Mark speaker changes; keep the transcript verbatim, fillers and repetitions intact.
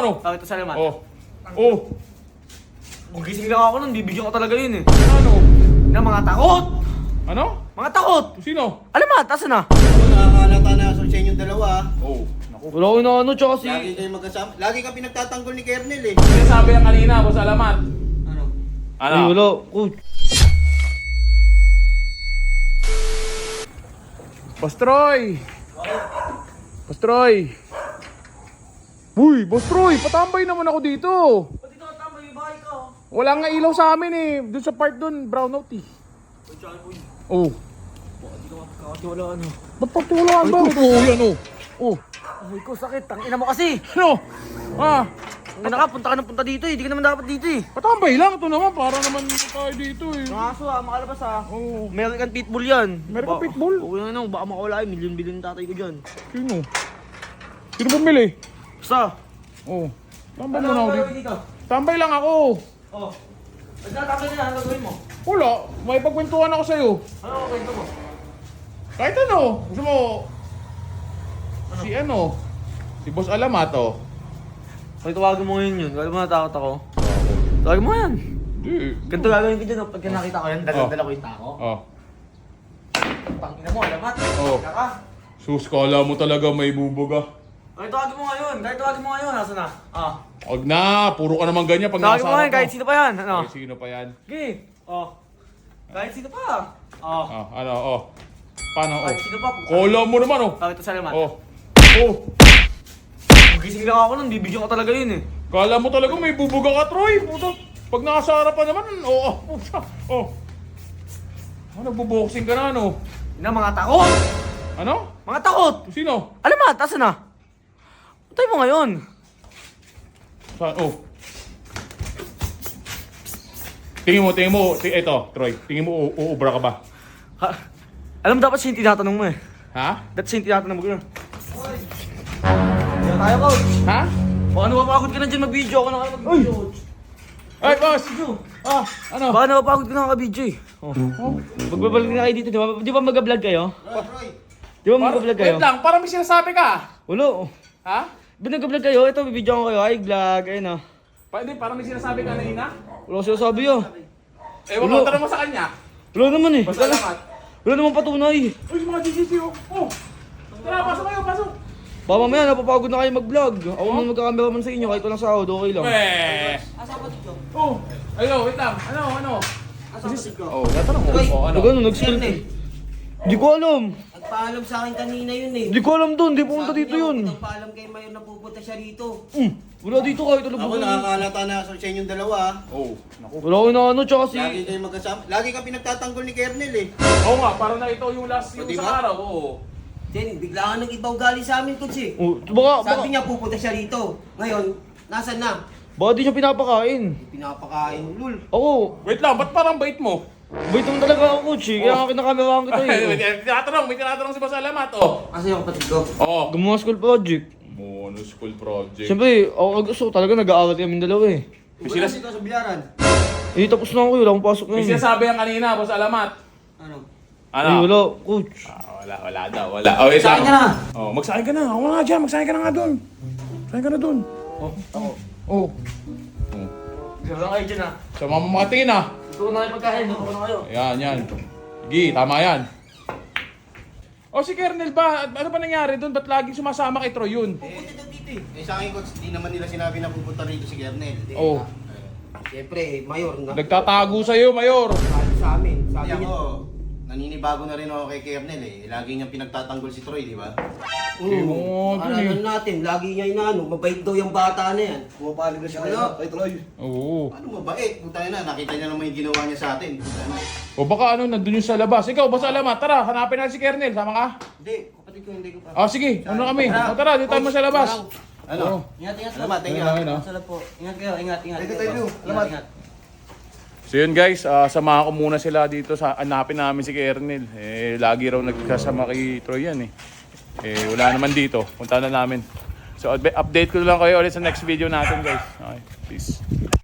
Speaker 1: oh.
Speaker 2: Bakit ito salamat?
Speaker 1: Oh. Oh.
Speaker 2: Kung gising lang ako nun, bibigyan ko talaga yun eh.
Speaker 1: Ano?
Speaker 2: Na mga takot!
Speaker 1: Ano?
Speaker 2: Mga takot!
Speaker 1: Sino?
Speaker 2: Alamat, asan na?
Speaker 3: Ako nakakalata na sa inyo yung dalawa.
Speaker 1: Oh. Naku.
Speaker 2: Wala ko na ano, tsaka si...
Speaker 3: Lagi kayo magkasama. Lagi ka pinagtatanggol ni Kernel eh.
Speaker 1: Sinasabi yan kanina, boss alamat.
Speaker 3: Ano?
Speaker 1: Ano?
Speaker 2: Ay, wala. Coach.
Speaker 1: Boss Troy! Boss Troy! Uy, Boss Troy, patambay naman ako dito.
Speaker 2: Pati ka tama yung bahay ka.
Speaker 1: Wala nga ilaw sa amin eh. Doon sa part doon, brownout eh.
Speaker 2: Uy, tsaka po yun.
Speaker 1: Oh.
Speaker 2: Pati ka kakatiwalaan ano.
Speaker 1: Ba't pagtulaan ba? Ito, yan oh. Oh.
Speaker 2: Ay ko, sakit. Ang ina mo kasi.
Speaker 1: Ano? Ah,
Speaker 2: Ang ina ka, punta ka ng punta dito eh. Di ka naman dapat dito eh.
Speaker 1: patambay lang. Ito naman, para naman tayo dito eh.
Speaker 2: Mga aso ah, makalabas ah.
Speaker 1: Oh.
Speaker 2: American Pitbull yan.
Speaker 1: American
Speaker 2: Ba-
Speaker 1: Pitbull?
Speaker 2: Oo yan ano, baka makawala yung milyon-bilyon tatay ko dyan.
Speaker 1: Sino? Sino bumili?
Speaker 2: Basta.
Speaker 1: Oh. Tambay
Speaker 2: Ano
Speaker 1: muna
Speaker 2: ang
Speaker 1: ako
Speaker 2: gagawin
Speaker 1: dito.
Speaker 2: dito?
Speaker 1: Tambay lang ako.
Speaker 2: Oh. Nagtatapos na, ano gagawin mo?
Speaker 1: Wala, may pagkwentuhan ako sa'yo.
Speaker 2: Ano ang kwento mo?
Speaker 1: Kahit ano, gusto mo... Si ano? Si Boss Alamato.
Speaker 2: Pag tawagan mo ngayon yun, kaya mo natakot ako. Tawagan mo yan.
Speaker 1: Hindi.
Speaker 2: Ganito gagawin ko dyan, oh. Pagka nakita ko yan,
Speaker 1: Oh.
Speaker 2: dala-dala ko yung tako.
Speaker 1: Oh.
Speaker 2: Pangina mo, alamat.
Speaker 1: Oh.
Speaker 2: Kaka.
Speaker 1: Sus, kala mo talaga may bubuga.
Speaker 2: Kahit tawagin mo ngayon, kahit tawagin mo ngayon, nasa na? Ah.
Speaker 1: Huwag na, puro ka naman ganyan pag
Speaker 2: Tawagin
Speaker 1: nasa
Speaker 2: mo ngayon,
Speaker 1: harap
Speaker 2: kahit sino pa yan. Ano?
Speaker 1: Kahit sino pa yan.
Speaker 2: Okay. Oh. Kahit sino pa. Oh.
Speaker 1: Ah, ano, oh. Paano, oh.
Speaker 2: Kahit sino pa.
Speaker 1: Kala mo naman, oh.
Speaker 2: Bakit ito salamat?
Speaker 1: Oh. Oh.
Speaker 2: Kung gising lang ako nun, bibigyan ko talaga yun eh.
Speaker 1: Kala mo talaga may bubuga ka, Troy. Puto. Pag nasa harapan naman, oh, oh, puta. Oh. Oh, nagbuboxing ka na, ano?
Speaker 2: Ina, mga takot!
Speaker 1: Ano?
Speaker 2: Mga takot!
Speaker 1: Sino?
Speaker 2: Alamat, asan na? Patay mo ngayon.
Speaker 1: Saan? Oh. Tingin mo, tingin mo, ti eto, Troy. Tingin mo, u- uubra ka ba?
Speaker 2: Ha? Alam mo, dapat siya yung tinatanong mo eh.
Speaker 1: Ha?
Speaker 2: Dapat siya yung tinatanong mo gano'n. Kaya tayo, coach.
Speaker 1: Ha?
Speaker 2: Baka napapagod ka na dyan mag-video. Ako na kayo mag-video, coach.
Speaker 1: Ay, boss! Ah, ano?
Speaker 2: Baka napapagod ka na ka-video eh. Oh.
Speaker 1: Oh.
Speaker 2: Magbabalik na kayo dito, di ba? Di ba mag-vlog kayo?
Speaker 3: Troy, Troy.
Speaker 2: Di ba
Speaker 1: Par-
Speaker 2: mag-vlog kayo?
Speaker 1: wait lang, parang may sinasabi ka.
Speaker 2: Wala.
Speaker 1: Ha?
Speaker 2: Di ba nag-vlog kayo? Ito, bibidyo ko kayo. Ay, vlog. Ayun ah.
Speaker 1: Pa, hindi, parang may sinasabi ka na ina.
Speaker 2: Wala ko sinasabi yun.
Speaker 1: Ewan
Speaker 2: Ulo.
Speaker 1: ko, tanong mo sa kanya.
Speaker 2: Wala naman eh.
Speaker 1: Basta
Speaker 2: Wala,
Speaker 1: alamat.
Speaker 2: wala naman patunay.
Speaker 1: Uy, mga G G C, oh. Oh. Tara, pasok kayo, pasok.
Speaker 2: Baka mamaya napapagod na kayo mag-vlog. Ako man magkakameraman sa inyo kahit walang sahod, okay lang.
Speaker 1: Weh.
Speaker 3: Asa pa dito?
Speaker 1: Oh. Ayo, wait lang. Ano, ano?
Speaker 3: Asa pa dito?
Speaker 1: Oh, tatanong mo.
Speaker 3: Troy.
Speaker 1: Oh, ano?
Speaker 2: Ano, nag-skill
Speaker 3: Kernel.
Speaker 2: Di ko alam.
Speaker 3: Nagpaalam sa akin kanina yun eh.
Speaker 2: Di ko alam doon, di pumunta
Speaker 3: Sabi
Speaker 2: dito
Speaker 3: niya,
Speaker 2: yun.
Speaker 3: Nagpaalam kay Mayor na pupunta siya rito.
Speaker 2: Hmm, wala dito kahit alam
Speaker 3: Ako
Speaker 2: ko.
Speaker 3: nakakalata na sa inyo yung dalawa.
Speaker 1: Oh, naku.
Speaker 2: Wala ko na ano, tsaka si...
Speaker 3: Lagi kayo magkasama. Lagi ka pinagtatanggol ni Kernel eh.
Speaker 1: Oo nga, parang na ito yung last yung
Speaker 3: O, di
Speaker 1: sa
Speaker 3: ba?
Speaker 1: araw. Oo.
Speaker 3: Then, bigla ka nang ibaw gali sa amin, coach eh.
Speaker 2: Oh, baka, baka,
Speaker 3: Sabi niya pupunta siya rito. Ngayon, nasan na?
Speaker 2: baka di siya pinapakain.
Speaker 3: Pinapakain, lul.
Speaker 2: Ako,
Speaker 1: Wait lang, ba't parang bait mo?
Speaker 2: bait naman talaga ako, coach eh. Kaya
Speaker 1: Oh.
Speaker 2: nga kinakameraan kita
Speaker 1: May
Speaker 2: eh.
Speaker 1: tinatanong, may tinatanong si Boss Alamat. Oh.
Speaker 3: Asa yung kapatid ko?
Speaker 1: Oo.
Speaker 2: Gumawa school project.
Speaker 1: Mono School Project.
Speaker 2: Siyempre, ako gusto talaga nag-aaral kami dalawa eh.
Speaker 1: May
Speaker 3: Wala
Speaker 1: sinas-
Speaker 3: dito sa bilaran.
Speaker 2: Eh, tapos na ako, wala akong pasok
Speaker 1: May
Speaker 2: ngayon. eh.
Speaker 1: sinasabi yan kanina, Boss Alamat.
Speaker 3: Ano?
Speaker 1: Ano?
Speaker 2: Ay, wala, coach.
Speaker 1: Ah, wala, wala daw, wala. Oh, wait
Speaker 3: Saan
Speaker 1: lang.
Speaker 3: ka na?
Speaker 1: Oh, magsahin ka na. Ako nga dyan, magsahin ka na nga doon. Magsahin ka na doon.
Speaker 2: Oh, ako.
Speaker 1: Oh.
Speaker 2: Wala kayo dyan ah.
Speaker 1: Sa mga mamatingin ah.
Speaker 2: Gusto ko na kayo pagkain, gusto ko na kayo.
Speaker 1: Ayan, yan. Sige, tama yan. O si Kernel ba, ano ba nangyari doon? Ba't laging sumasama kay Troy yun?
Speaker 3: Pupunta daw dito eh. Eh sa akin, coach, di naman nila sinabi na pupunta rito si Kernel.
Speaker 1: Oh.
Speaker 3: Siyempre, Mayor na.
Speaker 1: Nagtatago sa'yo, Mayor.
Speaker 3: Sabi sa amin. Sabi
Speaker 4: Sabi
Speaker 3: niya.
Speaker 4: ako, naninibago na rin ako kay Kernel eh. Lagi niyang pinagtatanggol si Troy, di ba?
Speaker 1: Eh, oo,
Speaker 3: Oo.
Speaker 1: dun eh.
Speaker 3: Ano natin, lagi niya inaano, mabait daw yung bata na yan. Pumapalig na siya
Speaker 4: Ano?
Speaker 3: kay Troy.
Speaker 1: Oo.
Speaker 4: Paano mabait? Puta na, nakita niya naman yung ginawa niya sa atin. Puta na.
Speaker 1: O baka ano, nandun yung sa labas. Ikaw, Boss Alamat, tara, hanapin natin si Kernel. Sama ka?
Speaker 3: Hindi, kapatid ko hindi ko pa.
Speaker 1: Ah, sige, ano kami? O, tara, dito tayo mo sa labas.
Speaker 4: Ano?
Speaker 1: Oo.
Speaker 3: Ingat, ingat.
Speaker 4: Salamat, thank you.
Speaker 1: Ayun, ayun, oh.
Speaker 3: Salamat po. Ingat kayo, ingat, ingat.
Speaker 4: Thank you, thank you.
Speaker 3: Ingat,
Speaker 4: Salamat.
Speaker 3: ingat.
Speaker 1: So yun guys, ah, samahan ko muna sila dito sa hanapin namin si Kernel. Eh, lagi raw nagkasama kay Troy yan eh. Eh, wala naman dito. Punta na namin. So update ko lang kayo ulit sa next video natin guys. Okay, peace.